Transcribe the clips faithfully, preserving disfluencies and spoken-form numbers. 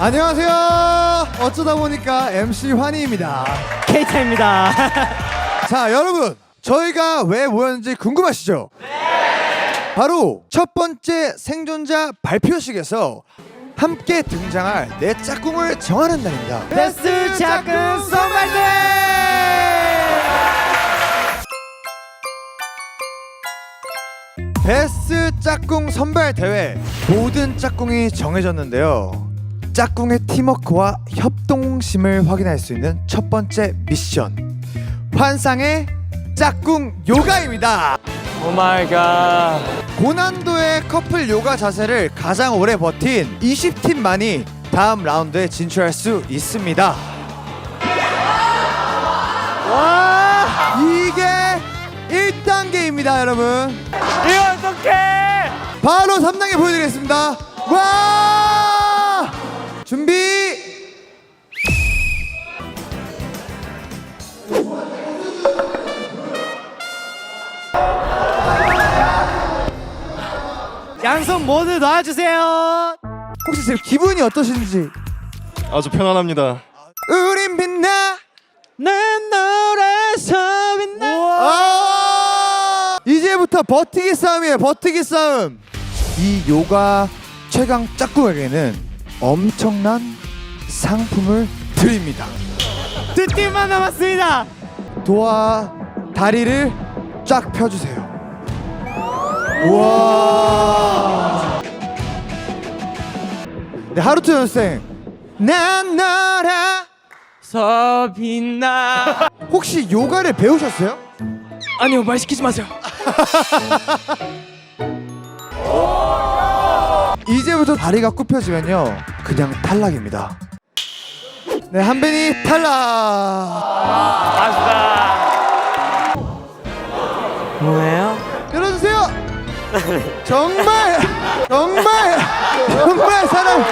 안녕하세요. 어쩌다 보니까 엠씨 환희입니다. 케이타입니다. 자, 여러분, 저희가 왜 모였는지 궁금하시죠? 네. 바로 첫 번째 생존자 발표식에서 함께 등장할 내 짝꿍을 정하는 날입니다. 베스트 짝꿍 선발대! 베스트 짝꿍 선발 대회, 모든 짝꿍이 정해졌는데요. 짝꿍의 팀워크와 협동심을 확인할 수 있는 첫 번째 미션, 환상의 짝꿍 요가입니다. 오 마이 갓. 고난도의 커플 요가 자세를 가장 오래 버틴 이십 팀만이 다음 라운드에 진출할 수 있습니다. 와! 이게 일 단계입니다, 여러분. 이거 어떡해! 바로 삼 단계 보여드리겠습니다. 와! 준비! 양손 모두 놔주세요. 혹시 지금 기분이 어떠신지? 아주 편안합니다. 우린 빛나 난 너라서 빛나. 아! 이제부터 버티기 싸움이에요. 버티기 싸움. 이 요가 최강 짝꿍에게는 엄청난 상품을 드립니다. 두 팀만 남았습니다. 도와 다리를 쫙 펴주세요. 우와. 네, 하루토 연생. 난 너라 서 빛나. 혹시 요가를 배우셨어요? 아니요, 말 시키지 마세요. 이제부터 다리가 굽혀지면요, 그냥 탈락입니다. 네, 한빈이 탈락. 아싸. 뭐예요? 열어주세요. 정말 정말 정말 사랑.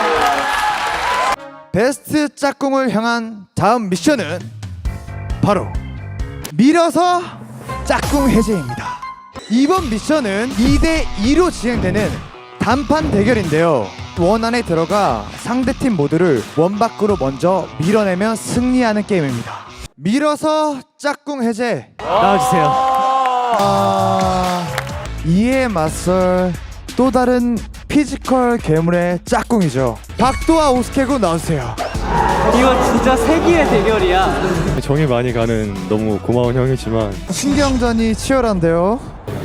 베스트 짝꿍을 향한 다음 미션은 바로 밀어서 짝꿍 해제입니다. 이번 미션은 이 대 이로 진행되는 단판 대결인데요. 원 안에 들어가 상대팀 모두를 원 밖으로 먼저 밀어내면 승리하는 게임입니다. 밀어서 짝꿍 해제. 나와주세요. 아... 이에 맞설 또 다른 피지컬 괴물의 짝꿍이죠. 박도와 오스케고 나오세요. 이거 진짜 세기의 대결이야. 정이 많이 가는 너무 고마운 형이지만 신경전이 치열한데요.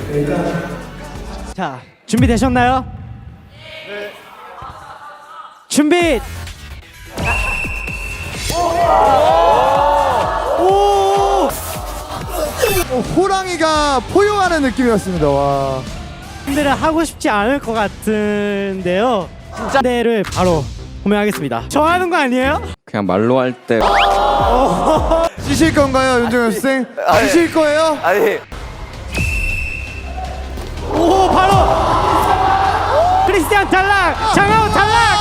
자, 준비되셨나요? 네. 준비. 오! 어, 호랑이가 포효하는 느낌이었습니다. 와. 분들은 하고 싶지 않을 것 같은데요. 진짜 대를 바로 호명하겠습니다. 저 하는 거 아니에요? 그냥 말로 할 때 지실 건가요, 윤정현 쌤? 지실 거예요? 아니 오, 바로 크리스티안 탈락, 장하우 탈락.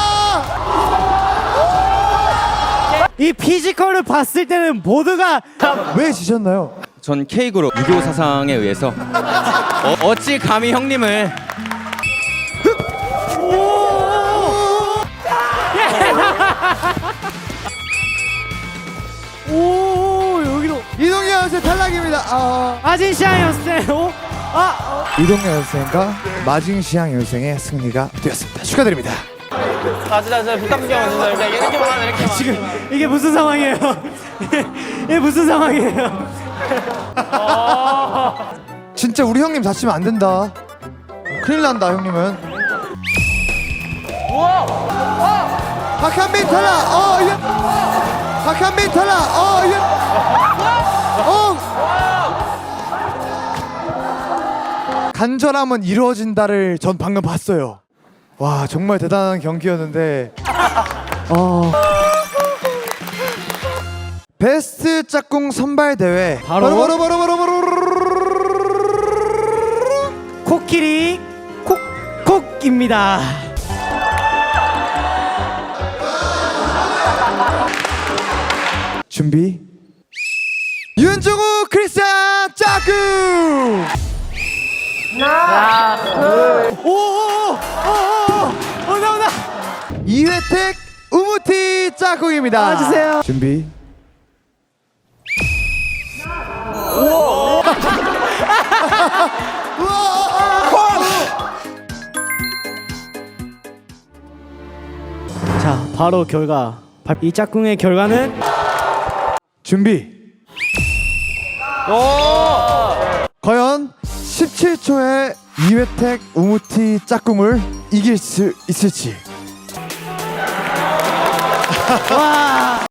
이 피지컬을 봤을 때는 모두가 왜 지셨나요? 전 K그룹 유교 사상에 의해서 어, 어찌 감히 형님을 오, 여기로 이동현 선생 탈락입니다. 아... 아진시아였어요. 아, 이동현 선생과 마징시앙 선생의 승리가 되었습니다. 축하드립니다. 지금 이게 무슨 상황이에요? 이게 무슨 상황이에요? 진짜 우리 형님 다치면 안 된다. 큰일 난다, 형님은. 박한빈 탈락. 어, 예. 박한빈 탈락. 어, 예. 어. 간절함은 이루어진다를 전 방금 봤어요. 와, 정말 대단한 경기였는데. 어. 베스트 짝꿍 선발 대회 바로? 바로 바로 바로 바로 바로 코끼리 콕콕입니다. 준비. 윤종우 크리스찬 짝꿍. 하나, 둘, 오오오오오, 나온다. 이회택 우무팀. 짝꿍입니다. 나와주세요. 준비. 자, 바로 결과. 이 짝꿍의 결과는 준비. 과연 십칠 초의 이회택 우무티 짝꿍을 이길 수 있을지. 와.